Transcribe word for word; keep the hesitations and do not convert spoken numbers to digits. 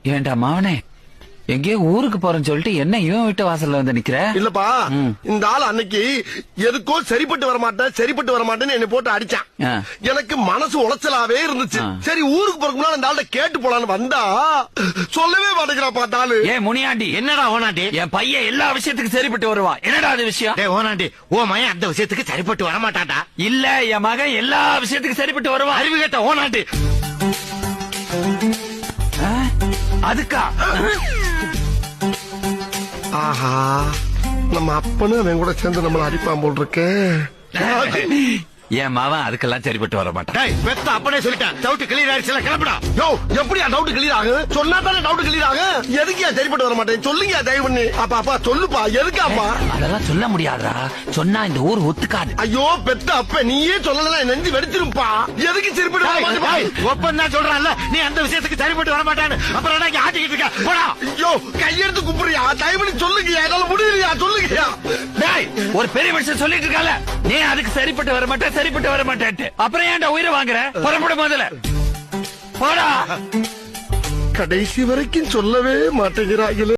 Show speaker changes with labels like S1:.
S1: ஏண்டா மாவனே, எங்கேயோ ஊருக்கு போறேன்னு சொல்லிட்டு என்ன இவன் வீட்டு வாசல்ல வந்து நிக்கிற?
S2: இல்லப்பா, இந்த ஆள் அன்னைக்கு எதுக்கோ சரிப்பட்டு வர மாட்டேன் சரிப்பட்டு வர மாட்டேன்னு என்ன போட்டு அடிச்சான். எனக்கு மனசு உளைச்சலாவே இருந்துச்சு. சரி ஊருக்கு போறதுக்கு முன்னாடி அந்த ஆள்கிட்ட கேட்டு போலான்னு வந்தா சொல்லவே மாட்டேங்கிறா பார்த்தாலு.
S1: ஏ முனியாண்டி,
S3: என்னடா ஓனாண்டி?
S1: என் பையன் எல்லா விஷயத்துக்கும் சரிப்பட்டு வருவான். என்னடா அது விஷயம்?
S3: டேய் ஓனாண்டி, ஓ மகன் அந்த விஷயத்துக்கு சரிப்பட்டு வர மாட்டான்டா.
S1: இல்ல, என் மகன் எல்லா விஷயத்துக்கும் சரிப்பட்டு வருவான்.
S3: அறிவு கேட்ட ஓனாண்டி.
S1: அதுக்கா?
S2: ஆஹா, நம்ம அப்பனும் அவன் கூட சேர்ந்து நம்மள அடிப்பான் போல் இருக்கு.
S1: என் மவன் அதுக்கெல்லாம் சரிப்பட்டு வர மாட்டான்.
S3: டேய் பெத்த அப்பனே சொல்லிட்டான். டவுட் கிளியர் ஆயிடுச்சுல, கிளம்புடா.
S2: யோ, எப்படியா டவுட் கிளியர் ஆகும்? சொன்னா தானே டவுட் கிளியர் ஆகும். எதுக்கியா சரிப்பட்டு வர மாட்டேன் சொல்லுங்க தயவு பண்ணி. அப்பா அப்பா சொல்லுப்பா, எதுக்காப்பா?
S1: அதெல்லாம் சொல்ல முடியாதா, சொன்னா இந்த ஊர் ஒத்துக்காது.
S2: ஐயோ பெத்த அப்ப நீயே சொல்லல, நெஞ்சு வெடிச்சிருப்பா. எதுக்கு சரிப்பட்டு வர மாட்டேன்?
S3: ஒப்பன் தான் சொல்றான்ல, நீ அந்த விஷயத்துக்கு சரிப்பட்டு வர மாட்டான்னு. அப்புறம் என்ன ஆட்டிக்கிட்டு இருக்க? போடா.
S2: ஐயோ கையெடுத்து குப்புறியா, தயவு பண்ணி சொல்லுங்க, என்னால முடியலையா சொல்லுங்கயா.
S1: டேய், ஒரு பெரிய மனுஷன் சொல்லிட்டு இருக்கால, நீ அதுக்கு சரிப்பட்டு வர மாட்டேன் சரிப்பட்டு வர மாட்டேன்ட்டு. அப்புறம் ஏன்டா உயிரை வாங்குற? புறப்பட முதல்ல போடா.
S2: கடைசி வரைக்கும் சொல்லவே மாட்டேங்கிறாங்களே.